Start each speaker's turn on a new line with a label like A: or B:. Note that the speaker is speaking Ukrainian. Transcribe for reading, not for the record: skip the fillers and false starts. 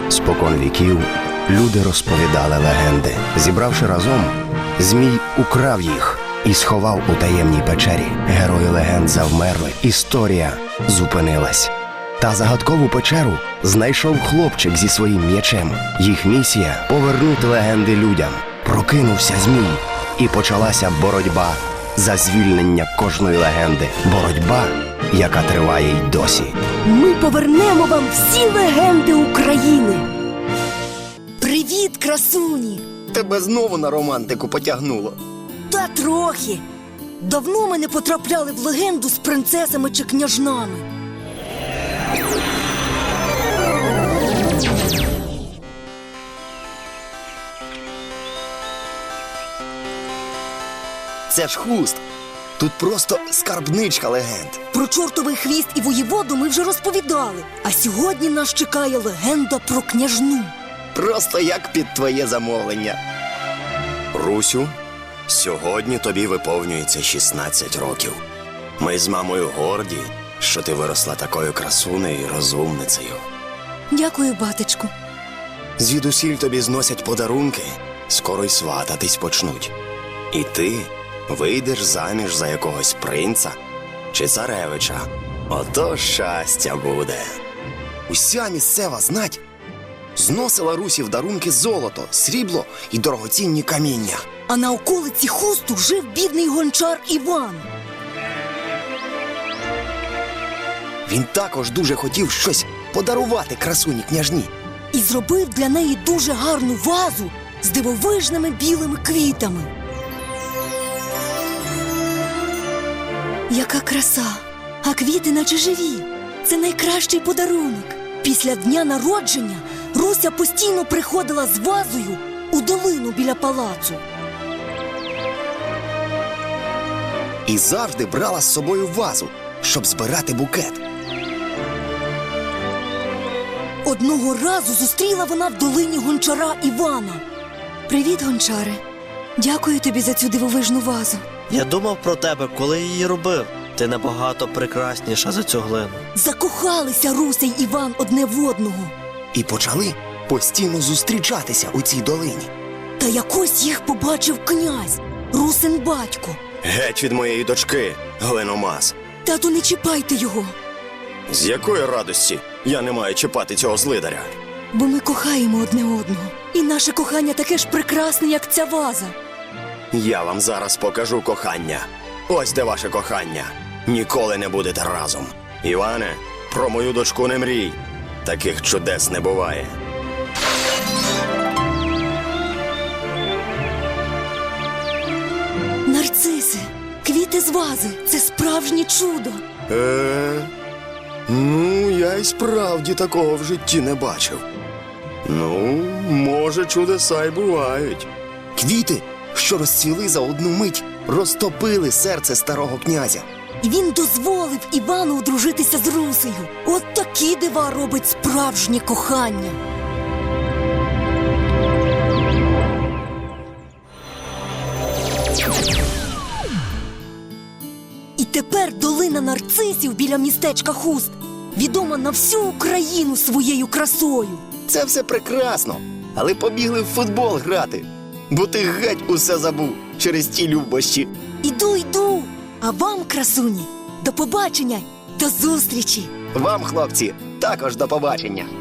A: Спокон віків люди розповідали легенди. Зібравши разом, Змій украв їх і сховав у таємній печері. Герої легенд завмерли, історія зупинилась. Та загадкову печеру знайшов хлопчик зі своїм м'ячем. Їх місія – повернути легенди людям. Прокинувся Змій, і почалася боротьба за звільнення кожної легенди. Боротьба, яка триває й досі.
B: Ми повернемо вам всі легенди України. Привіт, красуні!
A: Тебе знову на романтику потягнуло.
B: Та трохи. Давно ми не потрапляли в легенду з принцесами чи княжнами.
A: Це ж Хуст. Тут просто скарбничка легенд.
B: Про чортовий хвіст і воєводу ми вже розповідали. А сьогодні нас чекає легенда про княжну.
A: Просто як під твоє замовлення. Русю, сьогодні тобі виповнюється 16 років. Ми з мамою горді, що ти виросла такою красунею і розумницею.
B: Дякую, батечку.
A: Звідусіль тобі зносять подарунки, скоро й свататись почнуть. І ти вийдеш заміж за якогось принца чи царевича. Ото щастя буде. Уся місцева знать зносила Русі в дарунки золото, срібло і дорогоцінні каміння.
B: А на околиці Хусту жив бідний гончар Іван.
A: Він також дуже хотів щось подарувати красуні княжні.
B: І зробив для неї дуже гарну вазу з дивовижними білими квітами. Яка краса! А квіти наче живі. Це найкращий подарунок. Після дня народження Руся постійно приходила з вазою у долину біля палацу.
A: І завжди брала з собою вазу, щоб збирати букет.
B: Одного разу зустріла вона в долині гончара Івана. Привіт, гончаре. Дякую тобі за цю дивовижну вазу.
C: Я думав про тебе, коли її робив. Ти набагато прекрасніша за цю глину.
B: Закохалися Руся й Іван одне в одного.
A: І почали постійно зустрічатися у цій долині.
B: Та якось їх побачив князь, Русин батько.
A: Геть від моєї дочки, глиномаз.
B: Тату, не чіпайте його,
A: З якої радості я не маю чіпати цього злидаря?
B: бо ми кохаємо одне одного. І наше кохання таке ж прекрасне, як ця ваза.
A: Я вам зараз покажу кохання. Ось де ваше кохання. Ніколи не будете разом. Іване, про мою дочку не мрій. Таких чудес не буває.
B: Нарциси, квіти з вази – це справжнє чудо.
A: Ну, я й справді такого в житті не бачив. Ну, може, чудеса й бувають. Квіти, що розцвіли за одну мить, розтопили серце старого князя.
B: І він дозволив Івану одружитися з Русею. От такі дива робить справжнє кохання. І тепер долина нарцисів біля містечка Хуст відома на всю Україну своєю красою.
A: Це все прекрасно, але побігли в футбол грати, бо ти геть усе забув через ті любощі.
B: Іду. А вам, красуні, до побачення, до зустрічі.
A: Вам, хлопці, також до побачення.